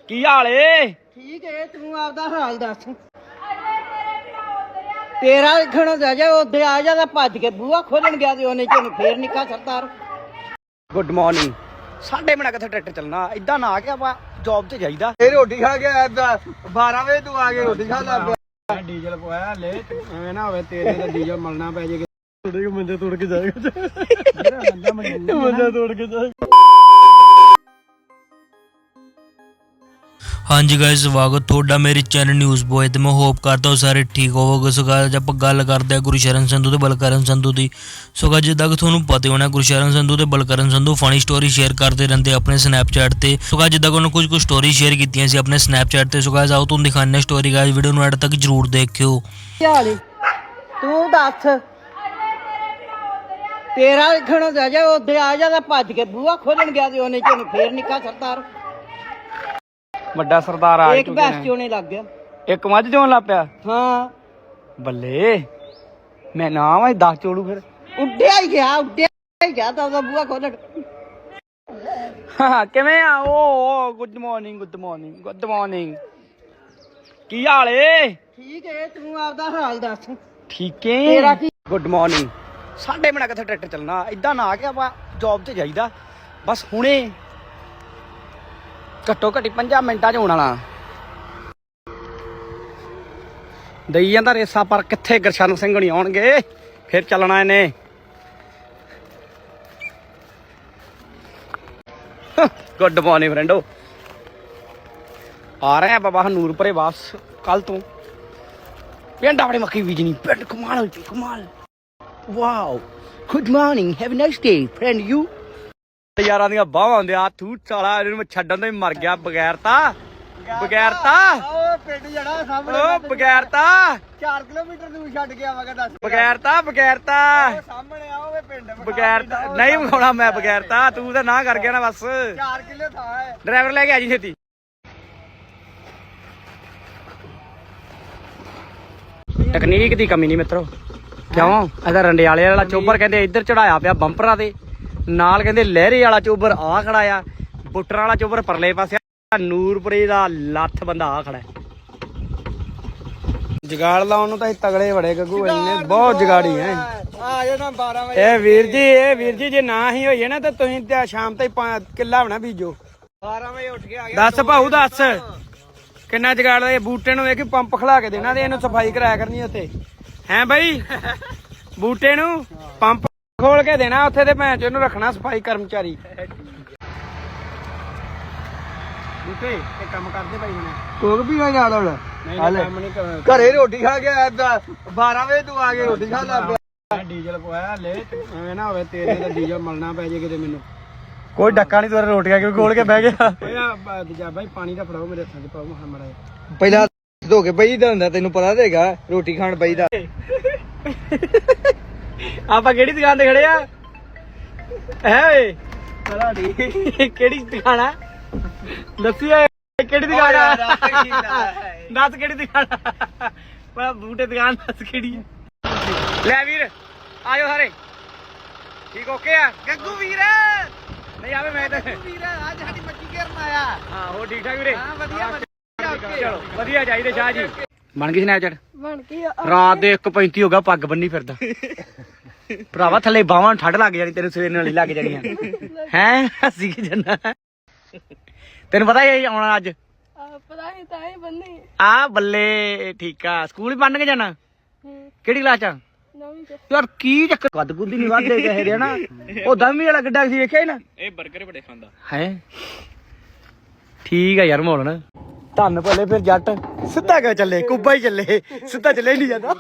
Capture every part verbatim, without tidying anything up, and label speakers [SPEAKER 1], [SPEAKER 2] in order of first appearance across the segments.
[SPEAKER 1] ਕੀ ਹਾਲ ਏ?
[SPEAKER 2] ਠੀਕ ਏ, ਤੂੰ ਆਪਦਾ ਹਾਲ ਦੱਸ। ਤੇਰਾ ਲਿਖਣ ਜਾ ਜਾ ਉੱਥੇ ਆ ਜਾ, ਭੱਜ ਕੇ ਬੂਹਾ ਖੋਲਣ ਗਿਆ ਤੇ ਉਹਨੇ ਚ ਫੇਰ ਨਿੱਕਾ ਸਰਦਾਰ।
[SPEAKER 1] Good morning. ਸਾਡੇ ਬਣਾ ਕਿੱਥੇ ਟਰੈਕਟਰ ਚੱਲਣਾ, ਇਦਾਂ ਨਾ ਆ ਕੇ ਆਪਾਂ ਜੌਬ ਤੇ ਜਾਈਦਾ।
[SPEAKER 3] ਇਹ ਰੋਟੀ ਖਾ ਕੇ ਆਇਆ ਬਾਰਾਂ ਵਜੇ ਤੂੰ ਆ ਕੇ ਰੋਟੀ ਖਾ ਲਾ ਪਿਆ।
[SPEAKER 1] ਡੀਜ਼ਲ ਪਵਾਇਆ ਲੈ, ਐਵੇਂ ਨਾ ਹੋਵੇ ਤੇਰੇ ਦਾ ਡੀਜ਼ਲ ਮਲਣਾ ਪੈ ਜੇ। ਥੋੜੇ ਕਿ ਮੰਜੇ ਤੋੜ ਕੇ ਜਾਏਗਾ, ਮੰਜਾ ਤੋੜ ਕੇ ਜਾਏਗਾ।
[SPEAKER 4] ਹਾਂਜੀ ਗਾਇਸ, ਸਵਾਗਤ ਤੁਹਾਡਾ ਮੇਰੇ ਚੈਨਲ ਨਿਊਜ਼ ਬॉय ਤੇ। ਮੈਂ ਹੋਪ ਕਰਦਾ ਹਾਂ ਸਾਰੇ ਠੀਕ ਹੋਵੋਗੇ। ਸੋ ਗਾਇਸ ਆਪਾਂ ਗੱਲ ਕਰਦੇ ਹਾਂ ਗੁਰਸ਼ਰਨ ਸੰਧੂ ਤੇ ਬਲਕਰਨ ਸੰਧੂ ਦੀ। ਸੋ ਗਾਇਸ ਜਿੱਦਾਂ ਕਿ ਤੁਹਾਨੂੰ ਪਤਾ ਹੋਣਾ, ਗੁਰਸ਼ਰਨ ਸੰਧੂ ਤੇ Balkaran Sandhu funny story share ਕਰਦੇ ਰਹਿੰਦੇ ਆਪਣੇ ਸਨੈਪਚੈਟ ਤੇ। ਸੋ ਗਾਇਸ ਜਿੱਦਾਂ ਕਿ ਉਹਨਾਂ ਕੁਝ ਕੁ ਸਟੋਰੀ ਸ਼ੇਅਰ ਕੀਤੀਆਂ ਸੀ ਆਪਣੇ ਸਨੈਪਚੈਟ ਤੇ। ਸੋ ਗਾਇਸ ਆਓ ਤੁਹਾਨੂੰ ਦਿਖਾਉਂਦੇ ਸਟੋਰੀ। ਗਾਇਸ ਵੀਡੀਓ ਨੂੰ ਐਡ ਤੱਕ ਜਰੂਰ ਦੇਖਿਓ।
[SPEAKER 2] ਤੂੰ ਦੱਸ, ਤੇਰਾ ਲਿਖਣ ਜਾ ਜਾ ਉੱਥੇ ਆ ਜਾ, ਭੱਜ ਕੇ ਬੂਹਾ ਖੋਲਣ ਗਿਆ ਤੇ ਉਹਨੇ ਚ ਫੇਰ ਨਿੱਕਾ ਸਰਦਾਰ।
[SPEAKER 1] ਵੱਡਾ ਸਰਦਾਰ ਆ
[SPEAKER 2] ਇੱਕ ਬੈਸ ਚੋਣੇ ਲੱਗ ਗਿਆ,
[SPEAKER 1] ਇੱਕ ਮੱਝ ਚੋਣ ਲੱਗ ਪਿਆ।
[SPEAKER 2] ਹਾਂ
[SPEAKER 1] ਬੱਲੇ, ਮੈਂ ਨਾ ਵਾ ਦਸ ਚੋੜੂ ਫਿਰ।
[SPEAKER 2] ਉੱਡਿਆ ਹੀ ਗਿਆ, ਉੱਡਿਆ ਹੀ ਗਿਆ ਤਾਂ ਉਹਦਾ ਬੂਹਾ ਖੋਲਣ।
[SPEAKER 1] ਹਾਂ ਕਿਵੇਂ ਆ? ਓ good morning, good morning, good morning. ਕੀ ਹਾਲ ਏ?
[SPEAKER 2] ਠੀਕ ਏ, ਤੂੰ ਆਪਦਾ ਹਾਲ ਦੱਸ।
[SPEAKER 1] ਠੀਕ ਏ।
[SPEAKER 2] ਤੇਰਾ ਕੀ?
[SPEAKER 1] Good morning. ਸਾਡੇ ਬਣਾ ਕਿੱਥੇ ਟਰੈਕਟਰ ਚੱਲਣਾ, ਇਦਾਂ ਨਾ ਆ ਕੇ ਆਪਾਂ ਜੌਬ ਤੇ ਜਾਈਦਾ। ਬਸ ਹੁਣੇ ਘੱਟੋ ਘੱਟੀ ਪੰਜਾਂ ਮਿੰਟਾਂ 'ਚ ਹੋਣ ਵਾਲਾ ਦਈ ਜਾਂਦਾ ਰੇਸਾ। ਪਰ ਕਿੱਥੇ ਗੁਰਸ਼ਰਨ ਸਿੰਘ ਹੋਣੀ ਆਉਣਗੇ, ਫਿਰ ਚੱਲਣਾ ਇਹਨੇ। ਗੁੱਡ ਮਾਰਨਿੰਗ ਫਰੈਂਡੋ। ਆ ਰਹੇ ਆ ਬਾਬਾ ਨੂਰਪੁਰੇ ਵਾਪਸ ਕੱਲ ਤੋਂ। ਪਿੰਡ ਆਪਣੇ ਮੱਕੀ ਬੀਜਣੀ, ਪਿੰਡ ਕਮਾਲ ਹੋਈ, ਕਮਾਲ। Wow, good morning, have a nice day friend. ਯੂ ਯਾਰਾਂ ਦੀਆਂ ਬਾਹਾਂ ਹੁੰਦੇ ਆ ਥੂ ਸਾਲਾ, ਇਹਨੂੰ ਮੈਂ ਛੱਡਣ ਤੋਂ ਹੀ ਮਰ ਗਿਆ। ਬਗੈਰਤਾ ਬਗੈਰਤਾ
[SPEAKER 3] ਉਹ ਪਿੰਡ ਜਿਹੜਾ ਸਾਹਮਣੇ,
[SPEAKER 1] ਓ ਬਗੈਰਤਾ
[SPEAKER 3] ਚਾਰ ਕਿਲੋਮੀਟਰ ਦੂਰ ਛੱਡ ਕੇ ਆਵਾਂਗਾ। ਦੱਸ
[SPEAKER 1] ਬਗੈਰਤਾ ਬਗੈਰਤਾ
[SPEAKER 3] ਸਾਹਮਣੇ ਆਓਗੇ ਪਿੰਡ
[SPEAKER 1] ਬਗੈਰਤਾ ਨਹੀਂ ਵਿਖਾਉਣਾ ਮੈਂ ਬਗੈਰਤਾ। ਤੂੰ ਤਾਂ ਨਾ ਕਰ ਗਿਆ ਨਾ ਬਸ।
[SPEAKER 3] ਚਾਰ ਕਿਲੋ ਥਾਂ ਹੈ।
[SPEAKER 1] ਡਰਾਈਵਰ ਲੈ ਕੇ ਆ ਜੀ ਛੇਤੀ। ਟੈਕਨੀਕ ਦੀ ਕਮੀ ਨਹੀਂ ਮਿੱਤਰੋ। ਕਿਉਂ? ਇਹਦਾ ਰੰਡਿਆਲੇ ਵਾਲਾ ਚੋਬਰ ਕਹਿੰਦੇ ਇੱਧਰ ਚੜਾਇਆ ਪਿਆ ਬੰਪਰਾਂ ਦੇ ਨਾਲ, ਕਹਿੰਦੇ ਲਹਿਰੇ ਵਾਲਾ ਚੋਬਰ ਆ ਖੜਾ ਆ, ਬੁੱਟਰਾਂ ਵਾਲਾ ਚੋਬਰ ਪਰਲੇ ਪਾਸੇ, ਨੂਰਪੁਰੇ ਦਾ ਲੱਥ ਬੰਦਾ ਆ ਖੜਾ। ਜਗਾੜ ਲਾਉਣ ਨੂੰ ਤਾਂ ਤਗੜੇ ਬੜੇ ਗੱਗੂ, ਇੰਨੇ ਬਹੁਤ ਜਗਾੜੀ ਹੈ।
[SPEAKER 3] ਆ ਜਾਣਾ ਬਾਰਾਂ ਵਜੇ।
[SPEAKER 1] ਇਹ ਵੀਰ ਜੀ, ਇਹ ਵੀਰ ਜੀ ਜੇ ਨਾ ਹੀ ਹੋਈਏ ਨਾ ਤਾਂ ਤੁਸੀਂ ਤੇ ਸ਼ਾਮ ਤਾਈਂ ਕਿੱਲਾ ਹੋਣਾ ਬੀਜੋ।
[SPEAKER 3] ਬਾਰਾਂ ਵਜੇ ਉੱਠ ਕੇ ਆ ਗਿਆ।
[SPEAKER 1] ਦੱਸ ਭਾਊ ਦੱਸ ਕਿੰਨਾ ਜਗਾੜ ਦਾ? ਇਹ ਬੂਟੇ ਨੂੰ ਵੇਖ ਪੰਪ ਖਲਾ ਕੇ ਦੇਣਾ ਤੇ ਇਹਨੂੰ ਸਫਾਈ ਕਰਾਇਆ ਕਰਨੀ ਉੱਥੇ। ਹੈ ਬਾਈ, ਬੂਟੇ ਨੂੰ ਪੰਪ ਖੋਲ ਕੇ ਦੇਣਾ ਉੱਥੇ ਤੇ ਭੈਣ ਚ ਇਹਨੂੰ ਰੱਖਣਾ ਸਫਾਈ ਕਰਮਚਾਰੀ। ਬੂਟੇ ਇਹ ਕੰਮ ਕਰਦੇ ਭਾਈ ਹੁਣ।
[SPEAKER 3] ਕੋਕ ਵੀ ਨਾ ਨਾਲ ਹੁਣ
[SPEAKER 1] ਨਹੀਂ ਕੰਮ ਨਹੀਂ ਕਰਨਾ।
[SPEAKER 3] ਘਰੇ ਰੋਟੀ ਖਾ ਕੇ ਆਇਆ ਬਾਰਾਂ ਵਜੇ ਤੂੰ ਆ ਕੇ ਰੋਟੀ ਖਾ ਲਾ ਪਿਆ।
[SPEAKER 1] ਡੀਜ਼ਲ ਪਵਾਇਆ ਲੈ, ਐਵੇਂ ਨਾ ਹੋਵੇ ਤੇਰੇ ਦਾ ਡੀਜ਼ਲ ਮਲਣਾ ਪੈ ਜੇ ਕਿਤੇ ਮੈਨੂੰ। ਕੋਈ ਡੱਕਾ ਨਹੀਂ, ਤੇਰੇ ਰੋਟੀਆਂ ਕਿਉਂ ਖੋਲ ਕੇ ਬਹਿ ਗਿਆ? ਓਏ ਬਾਈ ਪਾਣੀ ਦਾ ਫੜਾਓ, ਮੇਰੇ ਹੱਥਾਂ 'ਚ ਪਾਓ ਮੜਾ।
[SPEAKER 3] ਪਹਿਲਾਂ ਧੋ ਕੇ ਬਈ ਦਾ ਹੁੰਦਾ, ਤੈਨੂੰ ਪਤਾ ਤੇਗਾ ਰੋਟੀ ਖਾਣ ਬਈ ਦਾ।
[SPEAKER 1] ਆਪਾਂ ਕਿਹੜੀ ਦੁਕਾਨ ਤੇ ਖੜੇ ਆ? ਹੈ ਓਏ ਕਿਹੜੀ ਦੁਕਾਨ ਆ? ਦੱਸੀ ਓਏ ਕਿਹੜੀ ਦੁਕਾਨ ਆ? ਦੱਸ ਕਿਹੜੀ ਦੁਕਾਨ ਆ? ਮੈਂ ਬੂਟੇ ਦੁਕਾਨ ਦੱਸ ਕਿਹੜੀ ਆ? ਲੈ ਵੀਰ ਆਜੋ ਸਾਰੇ। ਠੀਕ ਓਕੇ ਆ ਗੱਗੂ ਵੀਰ? ਨਹੀਂ ਆਵੇ ਮੈਂ ਤਾਂ
[SPEAKER 3] ਵੀਰ ਅੱਜ ਸਾਡੀ ਮੱਛੀ ਘੇਰਨ ਆਇਆ।
[SPEAKER 1] ਹਾਂ ਹੋ ਠੀਕ ਠਾਕ ਵੀਰੇ?
[SPEAKER 3] ਹਾਂ ਵਧੀਆ ਵਧੀਆ।
[SPEAKER 1] ਚਲੋ ਵਧੀਆ ਚਾਹੀਦੇ ਸ਼ਾਹ ਜੀ। ਬਣ ਗਈ ਸਨੈਪਚੈਟ?
[SPEAKER 2] ਬਣ ਗਈ।
[SPEAKER 1] ਰਾਤ ਦੇ ਇੱਕ ਪੈਂਤੀ ਹੋ ਗਿਆ, ਪੱਗ ਬੰਨੀ ਫਿਰਦਾ ਭਰਾਵਾ। ਥੱਲੇ ਬਾਹਾਂ ਠੱਡ ਲੱਗ ਜਾਣੀ ਤੈਨੂੰ, ਸਵੇਰ ਨਾਲ ਹੀ ਲੱਗ ਜਾਣੀਆਂ। ਹੈ ਹੱਸੀ ਕੀ ਜੰਨਾ? ਤੈਨੂੰ ਪਤਾ ਹੀ ਆਉਣਾ ਅੱਜ?
[SPEAKER 5] ਪਤਾ ਨਹੀਂ ਤਾਂ ਹੀ ਬੰਨੀ
[SPEAKER 1] ਆ ਬੱਲੇ, ਠੀਕ ਆ। ਸਕੂਲ ਵੀ ਬੰਨ ਕੇ ਜਾਣਾ? ਕਿਹੜੀ ਕਲਾਸ ਚ?
[SPEAKER 5] ਨਵੀਂ ਚ।
[SPEAKER 1] ਯਾਰ ਕੀ ਚੱਕਰ, ਕੱਦ ਕੁੱਦੀ ਨਹੀਂ ਵੱਧਦੇ ਕਿਸੇ ਦੇ ਨਾ। ਉਹ ਦਮੀ ਵਾਲਾ ਗੱਡਾ ਸੀ ਵੇਖਿਆ ਹੀ ਨਾ?
[SPEAKER 4] ਇਹ 버ਗਰ ਬੜੇ ਖਾਂਦਾ
[SPEAKER 1] ਹੈ। ਠੀਕ ਆ ਯਾਰ ਮੋਲਣ ਧੰਨ ਭਲੇ। ਫਿਰ ਜੱਟ ਸਿੱਧਾ ਕਿਉਂ ਚੱਲੇ? ਕੁੱਬਾ ਹੀ ਚੱਲੇ, ਸਿੱਧਾ ਚੱਲੇ ਨਹੀਂ ਜਾਂਦਾ।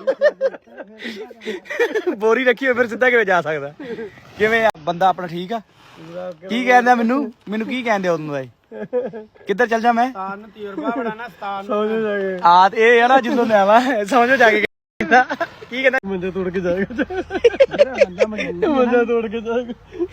[SPEAKER 1] ਬੋਰੀ ਰੱਖੀ ਹੋਈ ਫਿਰ ਸਿੱਧਾ ਕਿਵੇਂ ਜਾ ਸਕਦਾ? ਕਿਵੇਂ ਆ ਬੰਦਾ ਆਪਣਾ? ਠੀਕ ਆ। ਕੀ ਕਹਿੰਦਾ ਮੈਨੂੰ? ਮੈਨੂੰ ਕੀ ਕਹਿੰਦੇ ਉਦੋਂ ਦਾ? ਕਿੱਧਰ ਚੱਲ ਜਾ ਮੈਂ? ਤਜਰਬਾ ਬੜਾ ਨਾ ਸਤਾਨ ਆ ਇਹ ਆ ਨਾ ਜਦੋਂ ਮੈਂ ਆਵਾਂ ਸਮਝੋ ਜਾ ਕੇ। ਕੀ ਕਹਿੰਦਾ? ਮੰਜਾ ਤੋੜ ਕੇ ਜਾਏਗਾ, ਮੰਜਾ ਤੋੜ ਕੇ ਜਾਏਗਾ।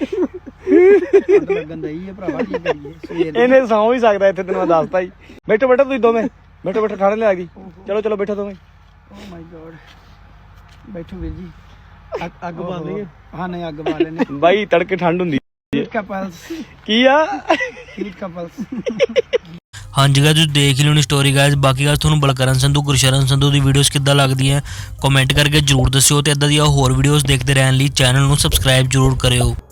[SPEAKER 1] ਇਹਨੇ ਸੌਂ ਵੀ ਸਕਦਾ ਇੱਥੇ, ਤੈਨੂੰ ਮੈਂ ਦੱਸਤਾ ਹੀ। ਬੈਠੋ ਬੈਠੋ ਤੁਸੀਂ ਦੋਵੇਂ, ਬੈਠੋ ਬੈਠੋ, ਠਾਣੇ ਲਿਆ ਗਈ। ਚਲੋ ਚਲੋ ਬੈਠੋ ਦੋਵੇਂ। ਓ ਮਾਈ ਗੋਡ, ਬੈਠੋ ਵੀਰ ਜੀ। ਅੱਗ ਬਾਲ ਲਈਏ? ਹਾਂ ਨਹੀਂ ਅੱਗ ਬਾਲ ਲੈਣੇ ਬਾਈ, ਤੜਕੇ ਠੰਡ ਹੁੰਦੀ। ਕੀ ਆ?
[SPEAKER 4] ਹਾਂਜੀ ਗਾਇਸ ਤੁਸੀਂ ਦੇਖ ਹੀ ਲਿਓਣੀ ਸਟੋਰੀ ਗਾਇਸ। ਬਾਕੀ ਗਾਇਸ ਤੁਹਾਨੂੰ ਬਲਕਰਨ ਸੰਧੂ ਗੁਰਸ਼ਰਨ ਸੰਧੂ ਦੀ ਵੀਡੀਓਜ਼ ਕਿੱਦਾਂ ਲੱਗਦੀਆਂ ਕਮੈਂਟ ਕਰਕੇ ਜਰੂਰ ਦੱਸਿਓ ਤੇ ਇਦਾਂ ਦੀਆਂ ਹੋਰ ਵੀਡੀਓਜ਼ ਦੇਖਦੇ ਰਹਿਣ ਲਈ ਚੈਨਲ ਨੂੰ ਸਬਸਕ੍ਰਾਈਬ ਜਰੂਰ ਕਰਿਓ।